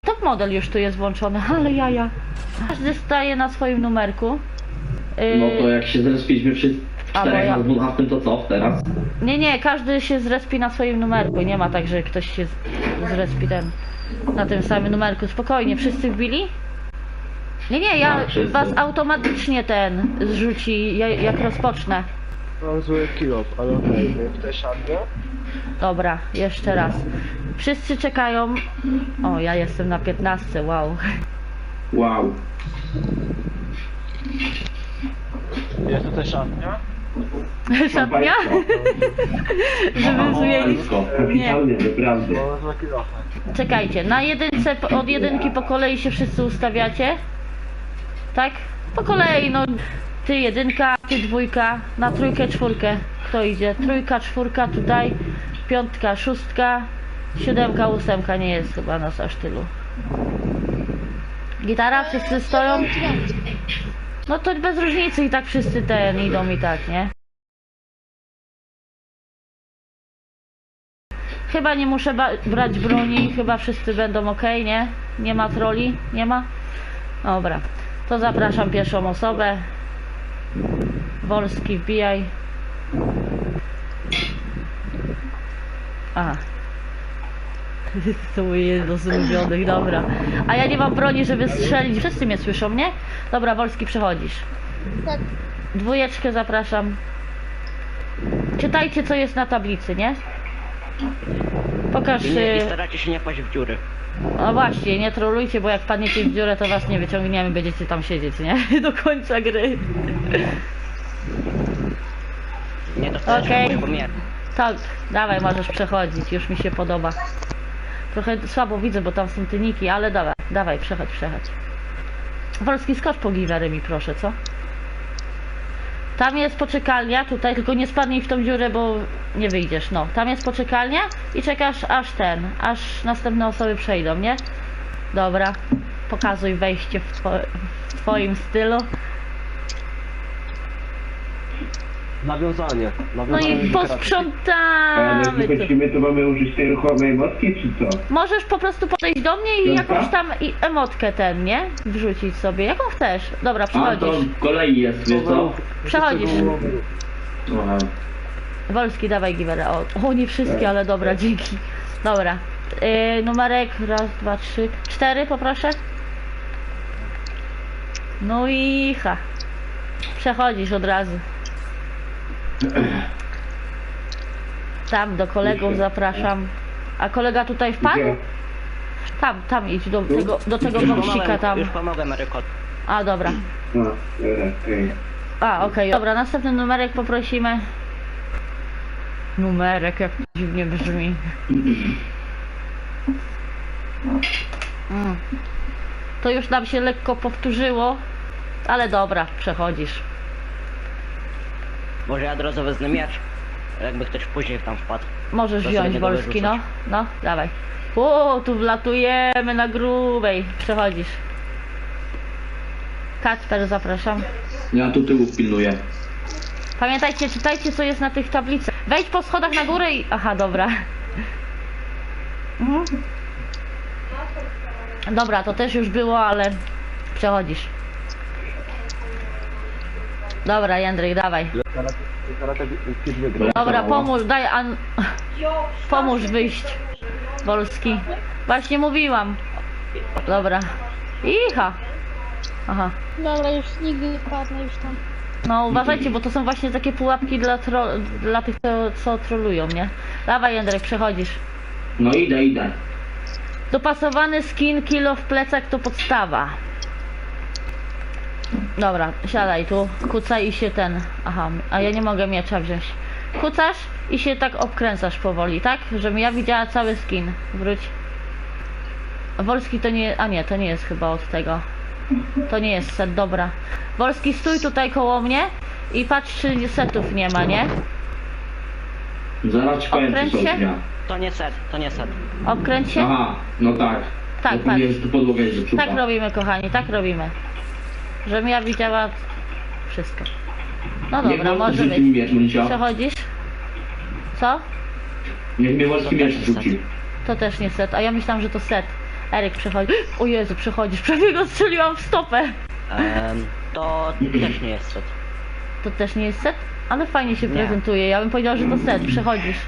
Top model już tu jest włączony, ale jaja. Każdy staje na swoim numerku. No to jak się zrespiliśmy wszyscy A, bo czterech ja- na 12, to co teraz? Nie, każdy się zrespi na swoim numerku. Nie ma tak, że ktoś się zrespi na tym samym numerku. Spokojnie, wszyscy wbili? Nie, ja Tak, wszyscy. was automatycznie zrzuci, jak rozpocznę. Mam zły kilo, ale okej. Ktoś szarpie? Dobra, jeszcze raz. Wszyscy czekają. O, ja jestem na 15, wow. Wow. Jest tutaj szarpnia? Szatnia? Żeby zmienić. Kapitalnie, naprawdę. Mam zły kilo. Czekajcie, na jedynce, od jedynki po kolei się wszyscy ustawiacie? Tak? Po kolei, no. Ty jedynka, ty dwójka, na trójkę, czwórkę. Kto idzie? Trójka, czwórka tutaj, piątka, szóstka, siódemka, ósemka, nie jest chyba nas aż tylu. Gitara, wszyscy stoją? No to bez różnicy i tak wszyscy idą i tak, nie? Chyba nie muszę brać broni, chyba wszyscy będą ok, nie? Nie ma troli? Nie ma? Dobra, to zapraszam pierwszą osobę. Wolski, wbijaj. Aha. To jedno z ulubionych, dobra. A ja nie mam broni, żeby strzelić. Wszyscy mnie słyszą, nie? Dobra, Wolski, przechodzisz. Tak. Dwójeczkę zapraszam. Czytajcie, co jest na tablicy, nie? Pokaż... I staracie się nie paść w dziury. No właśnie, nie trolujcie, bo jak padniecie w dziurę, to was nie wyciągniemy, będziecie tam siedzieć, nie? Do końca gry. Nie dostajesz Okej. okay. Pomiar. Tak, dawaj, możesz przechodzić, już mi się podoba. Trochę słabo widzę, bo tam są tyniki, ale dawaj, przechodź. Wolski, skocz po giwery mi proszę, co? Tam jest poczekalnia, tutaj, tylko nie spadnij w tą dziurę, bo nie wyjdziesz, no. Tam jest poczekalnia i czekasz aż następne osoby przejdą, nie? Dobra, pokazuj wejście w twoim stylu. Nawiązanie. No i Ale jak posprzątamy tu. wychodzimy, to mamy użyć tej ruchomej motki, czy co? Możesz po prostu podejść do mnie i Piątka? jakąś tam emotkę nie? Wrzucić sobie, jaką chcesz. Dobra, A to przechodzisz. w kolei jest, wiesz co? Przechodzisz. Aha. Wolski, dawaj giwerę. O, nie wszystkie, ale dobra, dzięki. Dobra. Numerek, raz, dwa, trzy, 4 poproszę. No i przechodzisz od razu. Tam do kolegów zapraszam. A kolega tutaj wpadł? Gdzie? Tam idź do tego boksika tam. Już pomogłem, Rykot. A dobra. No, dobra, okej. A, okej. Dobra, następny numerek poprosimy. Numerek, jak to dziwnie brzmi. To już nam się lekko powtórzyło, ale dobra, przechodzisz. Może ja od razu wezmę miecz. Jakby ktoś później tam wpadł. Możesz To wziąć sobie go Wolski, no. wyrzucać. No, dawaj. Tu wlatujemy na grubej. Przechodzisz. Kacper, zapraszam. Ja tu tyłu pilnuję. Pamiętajcie, czytajcie, co jest na tych tablicach. Wejdź po schodach na górę i... Aha, dobra. Dobra, to też już było, ale przechodzisz. Dobra, Jędryk, dawaj. Dobra, pomóż, pomóż wyjść. Wolski. Właśnie mówiłam. Dobra. Icha. Aha. Dobra, już nigdy nie padnę już tam. No uważajcie, bo to są właśnie takie pułapki dla tych, co trolują, nie? Dawaj, Jędrek, przechodzisz. No idę. Dopasowany skin, kilo w plecach to podstawa. Dobra, siadaj tu, kucaj i się Aha, a ja nie mogę miecza wziąć. Kucasz i się tak obkręcasz powoli, tak? Żebym ja widziała cały skin. Wróć. Wolski to nie... A nie, to nie jest chyba od tego. To nie jest set, dobra. Wolski, stój tutaj koło mnie i patrz, czy setów nie ma, nie? Zaraz ci powiem, Okręć co się? są dnia. To nie set. Obkręć się. Aha, no tak. Tak, No powinien, że tu podłoga jest zepsuta. Tak robimy, kochani, tak robimy. Żebym ja widziała wszystko. No Niech dobra, Wolski może rzuci mi być. miecz, Monisia. Przechodzisz? Co? Niech mnie Wolski miecz rzuci. To też nie set, a ja myślałam, że to set. Eryk przechodzi. O Jezu, przechodzisz. Prawie go strzeliłam w stopę. To też nie jest set. To też nie jest set? Ale fajnie się Nie. prezentuje. Ja bym powiedziała, że to set. Przechodzisz.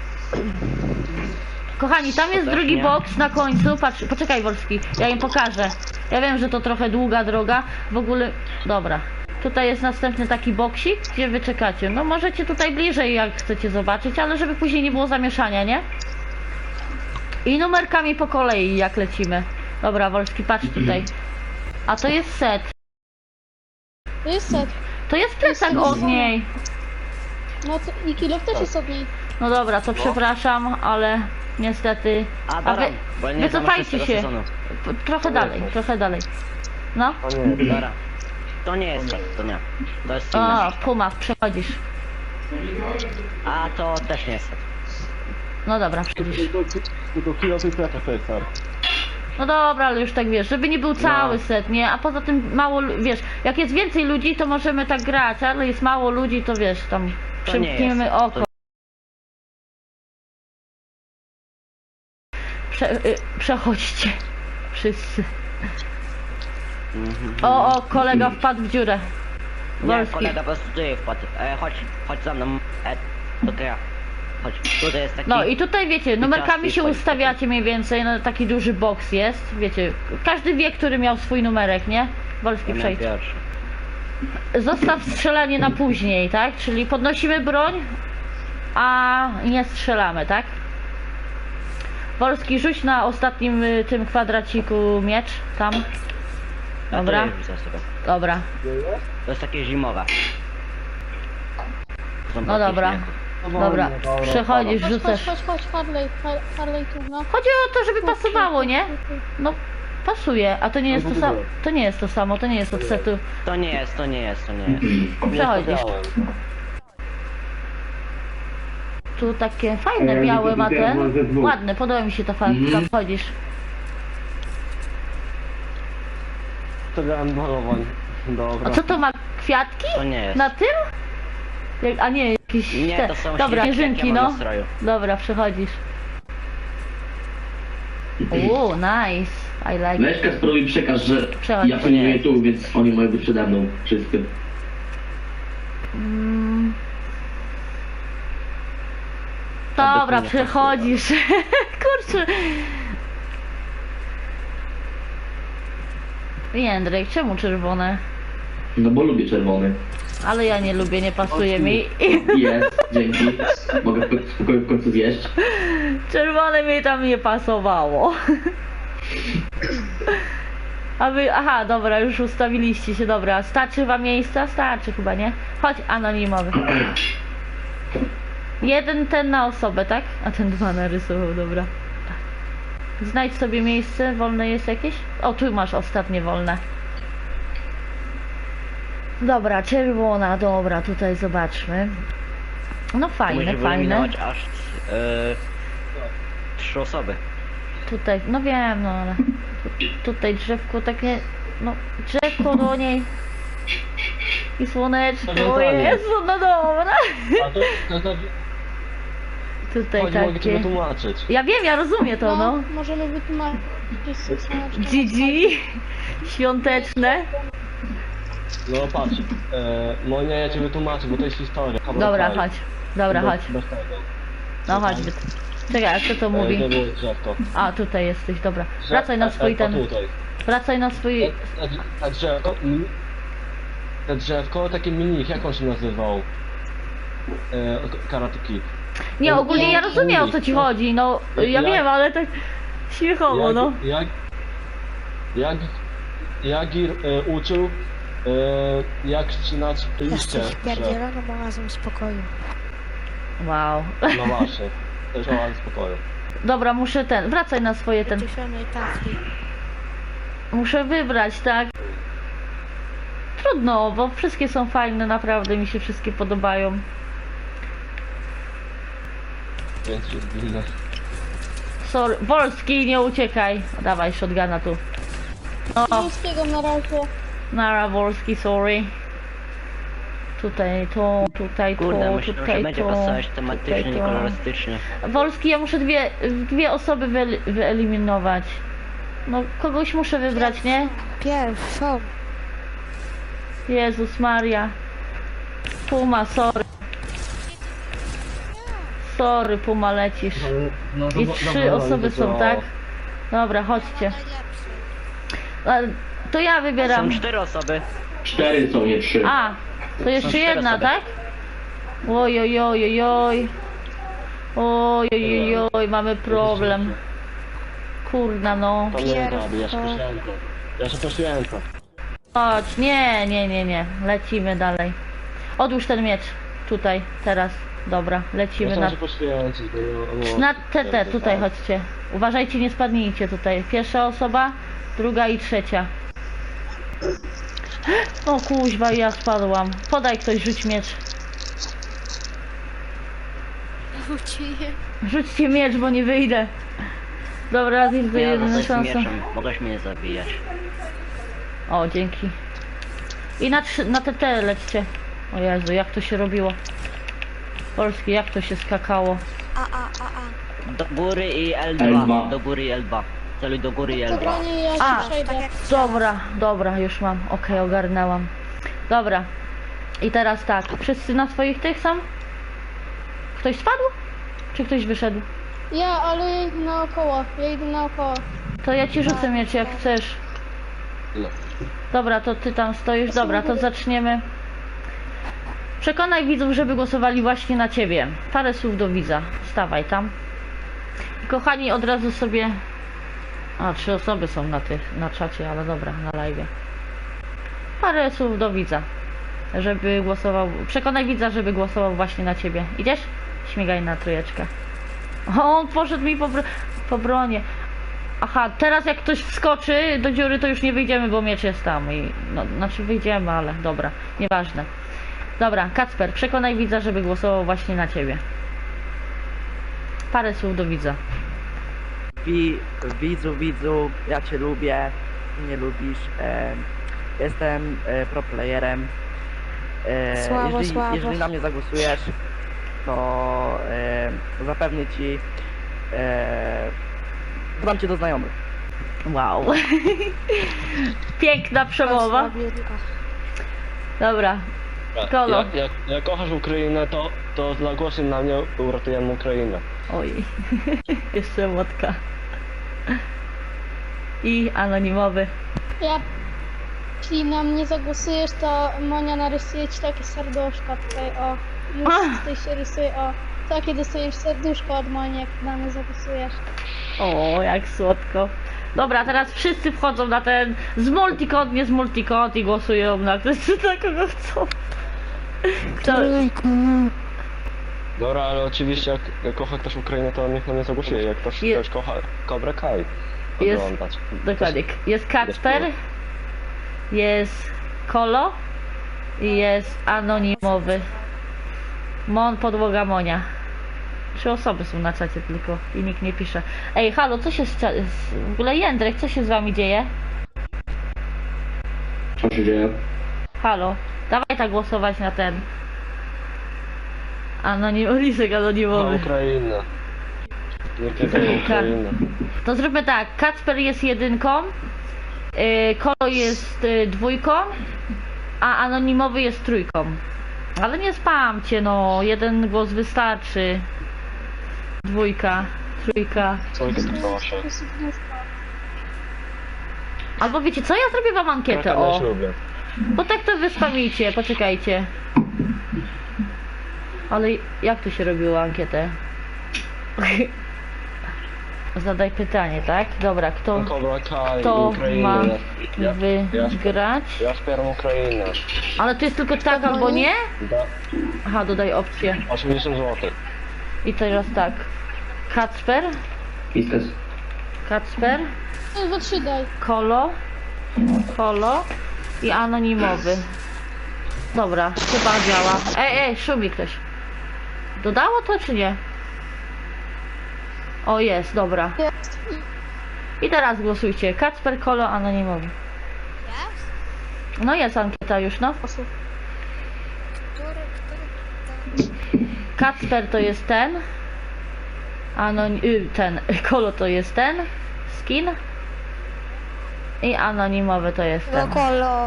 Kochani, tam jest też drugi nie. boks na końcu. Patrz, poczekaj Wolski, ja im pokażę. Ja wiem, że to trochę długa droga. W ogóle, dobra. Tutaj jest następny taki boksik, gdzie wy czekacie. No możecie tutaj bliżej, jak chcecie zobaczyć, ale żeby później nie było zamieszania, nie? I numerkami po kolei, jak lecimy. Dobra, Wolski, patrz tutaj. A to jest set. To jest set. To jest plecak od niej. No to i kilof też jest od niej. No dobra, to przepraszam, ale niestety... A A dobra, wy, bo ja nie znam wycofajcie szóstego się. sezonu. Trochę dalej, trochę dalej. No. A nie, Dobra. To nie jest set, to nie. To jest inne. O, Puma, przechodzisz. A to też nie jest set. No dobra, przechodzisz. tylko kilofy plecak to jest ser. No dobra, ale już tak wiesz, żeby nie był cały set, nie? A poza tym mało, wiesz, jak jest więcej ludzi, to możemy tak grać, ale jest mało ludzi, to wiesz, tam To nie przymkniemy jest. oko. Przechodźcie. Wszyscy. O, kolega wpadł w dziurę. Nie, Wolski. kolega po prostu tutaj wpadł. Chodź za mną. To ja. Chodź, tutaj jest taki... No i tutaj wiecie, numerkami się wchodzi. ustawiacie mniej więcej, no taki duży boks jest, wiecie, każdy wie, który miał swój numerek, nie? Wolski, Ja przejdź. miałem pierwszy. Zostaw strzelanie na później, tak? Czyli podnosimy broń, a nie strzelamy, tak? Wolski, rzuć na ostatnim tym kwadraciku miecz, tam. Dobra, Ja to rzucę sobie. dobra. To jest takie zimowe. Są No takie dobra. śmiechy. Dobra, przechodzisz, Chodź, rzucasz. chodź, Harley, Harley tu, no. Chodzi o to, żeby pasowało, nie? No, pasuje, a to nie jest to samo, to nie jest to samo, to nie jest od setu. To nie jest. Przechodzisz. Tu takie fajne, białe ma ten. Ładne, podoba mi się ta farba. Wchodzisz. To grałem malowań. Dobra. A co to ma? Kwiatki? To nie jest. Na tym? A nie, jakieś Nie, te. to są Dobra, śnieżki, śnieżynki, jakie mam no. na stroju. Dobra, przechodzisz. Nice. I like it. Weź Kasperowi przekaż, że Przechodź. ja pilnuję tu, więc oni mają być przede mną. Wszyscy. Mm. Dobra, nie przechodzisz. Kurczę. Jędrek, czemu czerwone? No bo lubię czerwony. Ale ja nie lubię, nie pasuje mi. Jest, dzięki. Mogę spokojnie w końcu zjeść. Czerwone mi tam nie pasowało. A wy, aha, dobra, już ustawiliście się, dobra. Starczy wam miejsca? Starczy chyba, nie? Chodź, anonimowy. Jeden ten na osobę, tak? A ten dwa narysował, dobra. Znajdź sobie miejsce, wolne jest jakieś? O, tu masz ostatnie wolne. Dobra, czerwona, dobra, tutaj zobaczmy. No fajne, Musisz fajne. wyeliminować aż 3 osoby. Tutaj, no wiem, no ale tutaj drzewko takie, no drzewko do niej i słoneczko, o Nawiązanie. Jezu, no dobra. A to Tutaj chodź, mogę ci takie, wytłumaczyć. ja wiem, ja rozumiem to, no. Możemy wytłumaczyć. GG, świąteczne. No patrz, no nie, ja ci wytłumaczę, bo to jest historia. Dobra, chodź, dobra, chodź, Bez tego. no chodź. Czekaj, a co to mówi? To było drzewko. A, tutaj jesteś, dobra. Wracaj na swój ten, Tutaj. wracaj na swój, Ta drzewko, te drzewko, takie mini, jak on się nazywał? Karate Kid. nie, ogólnie ja rozumiem, o co ci chodzi, no, ja wiem, ale tak śmiechowo, no. Jak Jagir uczył, jak ścinać liście Jesteś drzew. pierdzieloną oazą spokoju. Wow. No właśnie, też oaza spokoju. Dobra, muszę wracaj na swoje Wyciszonej tafli. muszę wybrać, tak? Trudno, bo wszystkie są fajne, naprawdę mi się wszystkie podobają. Więc jest inne. Sorry, Wolski, nie uciekaj. Dawaj shotguna tu. O, Polskiego na razie. nara Wolski, sorry. Tutaj to, tutaj Kurde, to, myślę, że tutaj będzie to. pasować tutaj tematycznie, to. kolorystycznie. Wolski, ja muszę dwie osoby wyeliminować. No, kogoś muszę wybrać, nie? Pierwszą. Jezus Maria. Puma, sorry. Sorry, Puma, lecisz. No, I 3 osoby są, tak? Dobra, chodźcie. To ja wybieram. Są 4 osoby. 4 są, nie 3. A, to jeszcze cztery jedna, osoby. tak? Oj, oj, oj, oj, oj. Oj, oj, oj, oj, mamy problem. Kurna, no. To nie robi, ja się prosiłem to. Ja się prosiłem to. Chodź, nie, nie, nie, nie. Lecimy dalej. Odłóż ten miecz. Tutaj, teraz. Dobra, lecimy Ja na... chciałem się poświęcić, bo... Na TT, tutaj chodźcie. Uważajcie, nie spadnijcie tutaj. Pierwsza osoba, druga i trzecia. O kuźwa, ja spadłam. Podaj ktoś, rzuć miecz. Rzućcie miecz, bo nie wyjdę. Dobra, jest Ja jedyna mogę z szansa. mieczem, mogłeś mnie zabijać. O, dzięki. I na TT lećcie. O Jezu, jak to się robiło. Polski, jak to się skakało. Do góry i L2. L2. Do góry i L2. Celuj do góry i To L2. broni ja A, się przejdę. Dobra, dobra, już mam. Okej, ogarnęłam. Dobra. I teraz tak, wszyscy na swoich tych są? Ktoś spadł? Czy ktoś wyszedł? Ja, ale ja idę naokoło. Ja idę naokoło. To ja ci rzucę miecz jak chcesz. No. Dobra, to ty tam stoisz. Dobra, to zaczniemy. Przekonaj widzów, żeby głosowali właśnie na ciebie. Parę słów do widza. Stawaj tam. I kochani, od razu sobie... A, 3 osoby są na czacie, ale dobra, na live. Parę słów do widza. Żeby głosował... Przekonaj widza, żeby głosował właśnie na ciebie. Idziesz? Śmigaj na trójeczkę. O, on poszedł mi po bronie. Aha, teraz jak ktoś wskoczy do dziury, to już nie wyjdziemy, bo miecz jest tam. I, no, znaczy wyjdziemy, ale dobra, nieważne. Dobra, Kacper, przekonaj widza, żeby głosował właśnie na ciebie. Parę słów do widza. Widzu, ja cię lubię, nie lubisz. Jestem pro playerem. Słabo, słabo. Jeżeli na mnie zagłosujesz, to zapewnię ci, dodam cię do znajomych. Wow. Piękna przemowa. Słabiutka. Dobra. Kolo. Jak kochasz Ukrainę, to zagłosuj na mnie, uratujemy Ukrainę. Oj. Jeszcze łotka. I anonimowy. Ja... Jeśli na mnie zagłosujesz, to Monia narysuje ci takie serduszko tutaj, o. Już tutaj się rysuje, o. Takie dostajesz serduszko od Moni, jak na mnie zagłosujesz. O, jak słodko. Dobra, teraz wszyscy wchodzą na ten z multikod, nie z multikod i głosują na kogo chcą. Kto? Dobra, ale oczywiście jak kocha ktoś Ukrainę, to niech na mnie zagłosuje. Jak ktoś kocha Cobra Kai, Jest- oglądać. Dokładnie. Jest Kacper, jest Kolo i jest anonimowy. Mon, podłoga Monia. 3 osoby są na czacie tylko i nikt nie pisze. Ej, halo, co się w ogóle Jędrek, co się z wami dzieje? Co się dzieje? Halo, dawaj tak głosować na ten. Lisek Na anonimowy. Ukrainę. Nie tylko Ukrainę. To zróbmy tak, Kacper jest 1, Kolo jest 2, a anonimowy jest 3. Ale nie spamcie, no, 1 głos wystarczy. 2, 3. Co jest to się? Albo wiecie co, ja zrobię wam ankietę, Ja o. też lubię. Bo tak to wyspamicie, poczekajcie. Ale jak tu się robiło ankietę? Zadaj pytanie, tak? Dobra, kto Cobra Kai, kto Ukrainę. ma Ja wygrać? wspieram Ukrainę. Ale to jest tylko tak albo nie? Aha, dodaj opcję. 80 zł. I teraz tak. Kacper, Kiskas. No, 3 daj. Kolo i anonimowy. Dobra, chyba działa. Ej, szumi ktoś. Dodało to czy nie? O, jest, dobra. Jest. I teraz głosujcie. Kacper, Kolo, anonimowy. No jest ankieta już, no. Osób. Kacper to jest ten. Kolo to jest ten. Skin. I anonimowy to jest ten. Wokolo.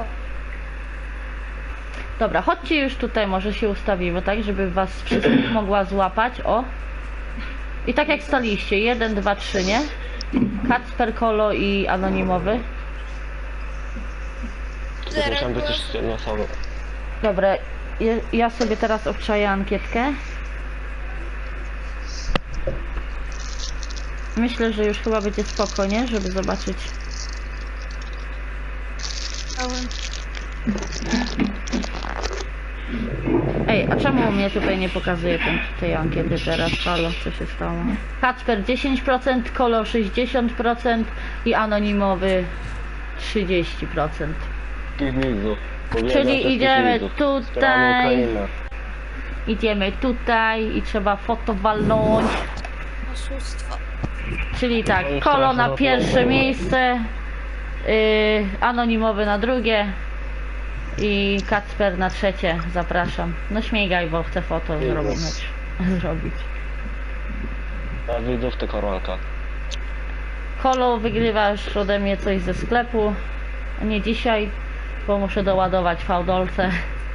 Dobra, chodźcie już tutaj, może się ustawimy, tak, żeby was wszystkich mogła złapać, o. I tak jak staliście, 1, 2, 3, nie? Kacper, Kolo i anonimowy. Musiałem być jeszcze jedna osoba. Dobra, ja sobie teraz obczaję ankietkę. Myślę, że już chyba będzie spoko, nie? Żeby zobaczyć. Ej, a czemu mnie tutaj nie pokazuje tej ankiety teraz? Halo, co się stało? Kacper 10%, Kolo 60% i anonimowy 30%. Widzów. Czyli idziemy tutaj. Idziemy tutaj i trzeba foto walnąć. Oszustwo. Czyli tak, Kolo na pierwsze miejsce, anonimowy na drugie i Kacper na trzecie. Zapraszam. No śmigaj, bo chcę foto zrobić. A widzów to koronka. Kolo, wygrywasz ode mnie coś ze sklepu. Nie dzisiaj, bo muszę doładować fałdolce.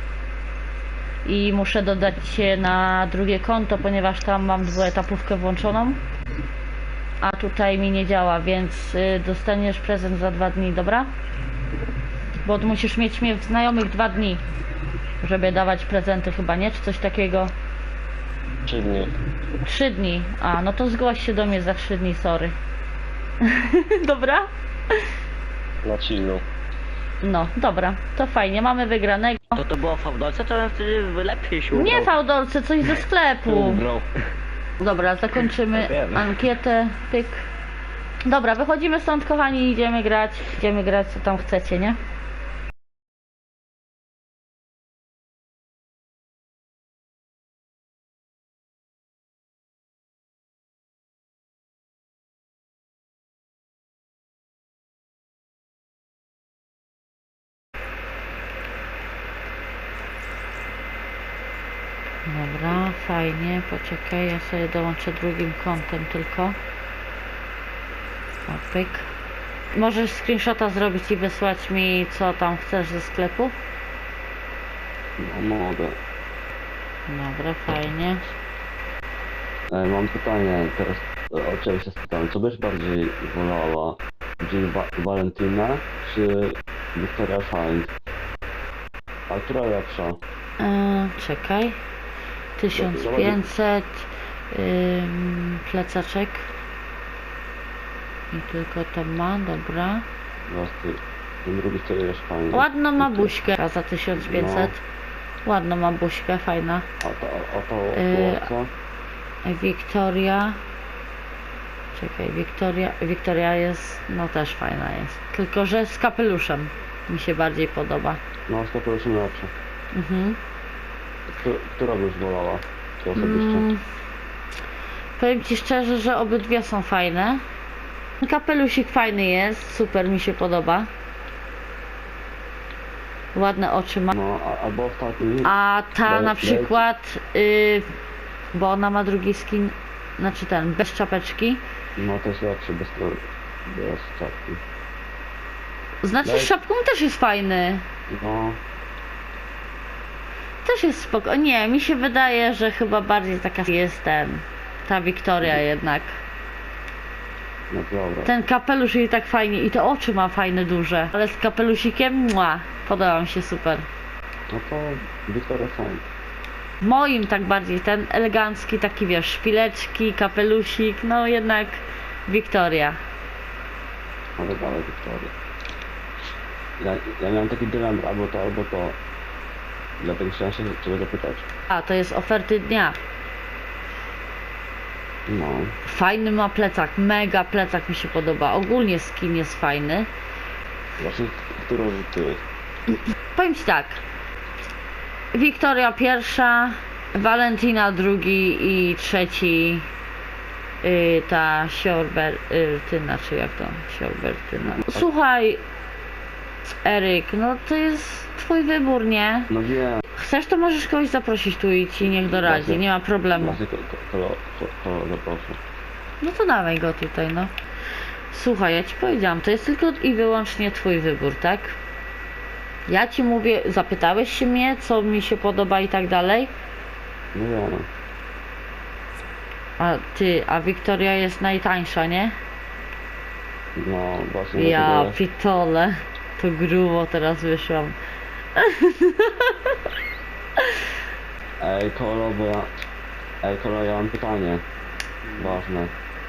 I muszę dodać się na drugie konto, ponieważ tam mam dwuetapówkę włączoną. A tutaj mi nie działa, więc dostaniesz prezent za 2 dni, dobra? Bo musisz mieć mnie znajomych 2 dni, żeby dawać prezenty chyba, nie? Czy coś takiego? 3 dni. 3 dni. A, no to zgłoś się do mnie za 3 dni, sorry. Dobra? Na chillu. No, dobra, to fajnie, mamy wygranego. To było w Fałdolce, to wtedy lepiej się udało. Nie fałdolce, coś ze sklepu. Ugrał. Dobra, zakończymy Wiemy. ankietę, pyk. Dobra, wychodzimy stąd, kochani, idziemy grać co tam chcecie, nie? Dobra, fajnie, poczekaj, ja sobie dołączę drugim kątem tylko. O, pyk. Możesz screenshota zrobić i wysłać mi, co tam chcesz ze sklepu? No mogę. Dobra, fajnie. Mam pytanie teraz, o ciebie się spytałem, co byś bardziej wolała? Jill Valentina czy Victoria Shine? A która lepsza? Czekaj. 1500 plecaczek. I tylko to ma, dobra. Ten drugi Victoria Shine. Ładno ma buźkę za 1500. Ładno ma buźkę, fajna. A to co? Wiktoria. Czekaj, Wiktoria jest, no też fajna jest. Tylko, że z kapeluszem mi się bardziej podoba. No, z kapeluszem lepsza. Mhm. Która byś wolała? Ty osobiście? Powiem ci szczerze, że obydwie są fajne. Kapelusik fajny jest, super mi się podoba. Ładne oczy ma. No, albo ostatni. A ta Daj- na przykład, bo ona ma drugi skin, znaczy ten, bez czapeczki. No, to jest lepszy, bez czapki. Znaczy Daj- z czapką też jest fajny. No, Też jest spoko. Nie, mi się wydaje, że chyba bardziej taka jest ta Wiktoria jednak. no dobra. Ten kapelusz jej tak fajnie i te oczy ma fajne, duże. Ale z kapelusikiem, podoba mi się super. No to Victoria Shine. W moim tak bardziej, ten elegancki, taki wiesz, szpileczki, kapelusik, no jednak Wiktoria. Ale dalej Victoria. Ja miałem taki dylemat, albo to. Dlatego chciałem się ciebie zapytać. A, to jest oferty dnia. No. Fajny ma plecak, mega plecak mi się podoba. Ogólnie skin jest fajny. Właśnie, którą ty? Powiem ci tak. Wiktoria pierwsza, Valentina drugi i trzeci ta Siorbertyna, czy jak to? Siorbertyna. Słuchaj, Eryk, no to jest twój wybór, nie? No wiem. Chcesz, to możesz kogoś zaprosić tu i ci niech doradzi, nie ma problemu. Właśnie to zaproszę. No to dawaj go tutaj, no. Słuchaj, ja ci powiedziałam, to jest tylko i wyłącznie twój wybór, tak? Ja ci mówię, zapytałeś się mnie, co mi się podoba i tak dalej. No ja no. A Wiktoria jest najtańsza, nie? No właśnie Ja dlatego pitole. To grubo teraz wyszłam. Ej Kolo, bo ja... Ej Kolo, ja mam pytanie. Ważne.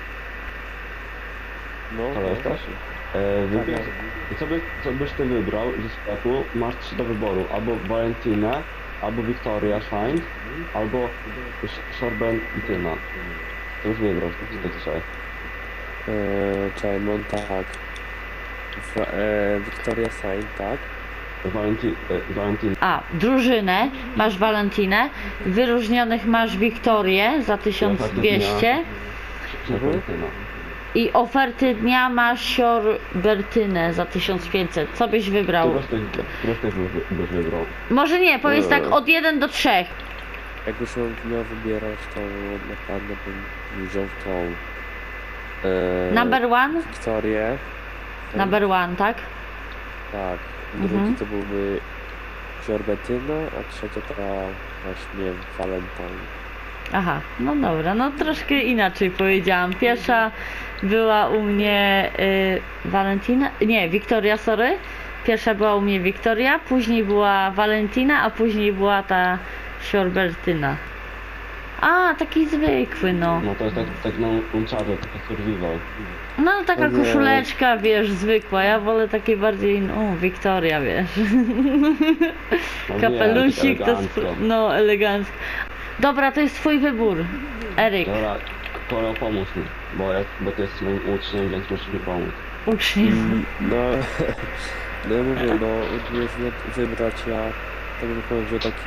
No, Kolo, jesteś? Wybierz... Co byś ty wybrał ze sklepu? Masz 3 do wyboru. Albo Valentinę, albo Victoria Shine, albo Sorbentina. Co byś wybrał z tych trzech? Czekaj, no tak. Victoria Sign, tak? Valentina. Drużynę masz Valentinę, wyróżnionych masz Wiktorię za 1200 Sorbentina. i oferty dnia masz Siorbertynę za 1500. Co byś wybrał? Któreś też byś wybrał? Może nie, powiedz tak od 1 do 3. Jakbyś miał wybierać, to na pewno bym wziął tą... Number one? Wiktorię. Number one, tak? Tak. Mhm. Drugi to byłby Sorbentina, a trzecia to właśnie Valentine. Aha, no dobra, no troszkę inaczej powiedziałam. Pierwsza była u mnie Valentina, nie, Wiktoria, sorry. Pierwsza była u mnie Wiktoria, później była Valentina, a później była ta Siorbertyna. A, taki zwykły, no. No to jest tak na Uncharted, taka survival. No, taka Nie. koszuleczka, wiesz, zwykła. Ja wolę takie bardziej, no, Wiktoria, wiesz. No Kapelusik wiem, to elegancko. no, elegancko. Dobra, to jest twój wybór, Eryk. Dobra, Kolo, pomóż mi, bo ty jesteś moim uczniem, więc musisz mi pomóc. Uczniem. No, no ja mówię, no, gdyby wybrać, ja tak bym powiedział taki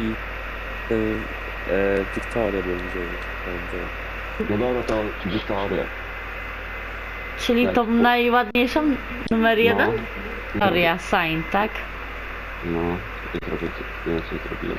Wiktorię bym wziął, będzie. No dobra, to Wiktoria. Czyli Tak. tą najładniejszą, numer 1? No. Wiktoria, sign, tak? No, i trochę więcej zrobiłem.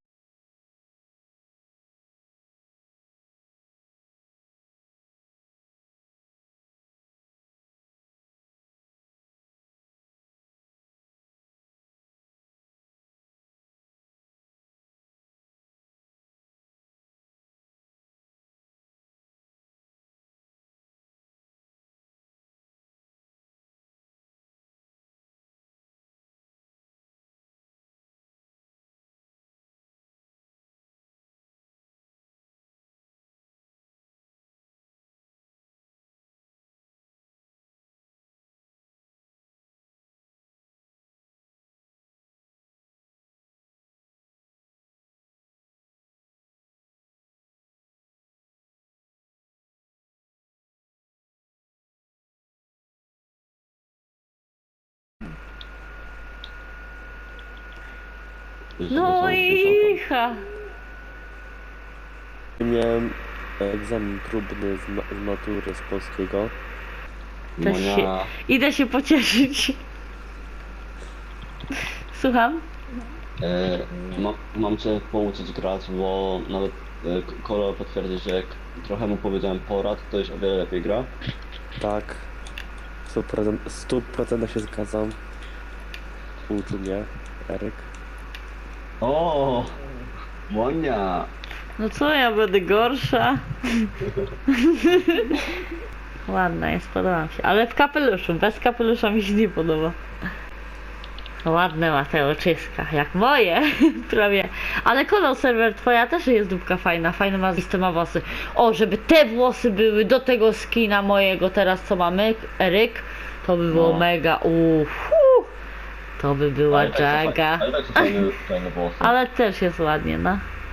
No i ha. Miałem egzamin próbny z matury z polskiego. Też się, idę się pocieszyć. Słucham? Mam cię pouczyć grać, bo nawet Kolo potwierdzi, że jak trochę mu powiedziałem porad, to już o wiele lepiej gra. Tak, 100% się zgadzam. Uczył mnie Eryk. O, Monia! No co, ja będę gorsza? Ładna jest, podoba mi się. Ale w kapeluszu, bez kapelusza mi się nie podoba. Ładne ma te oczyska, jak moje, prawie. Ale kolor serwer twoja też jest dupka fajna, fajne ma ma włosy. O, żeby te włosy były do tego skina mojego teraz, co mamy, Eryk, to by było No. mega, to by była Jaga. Ale tak są fajne włosy. Ale też jest ładnie, no.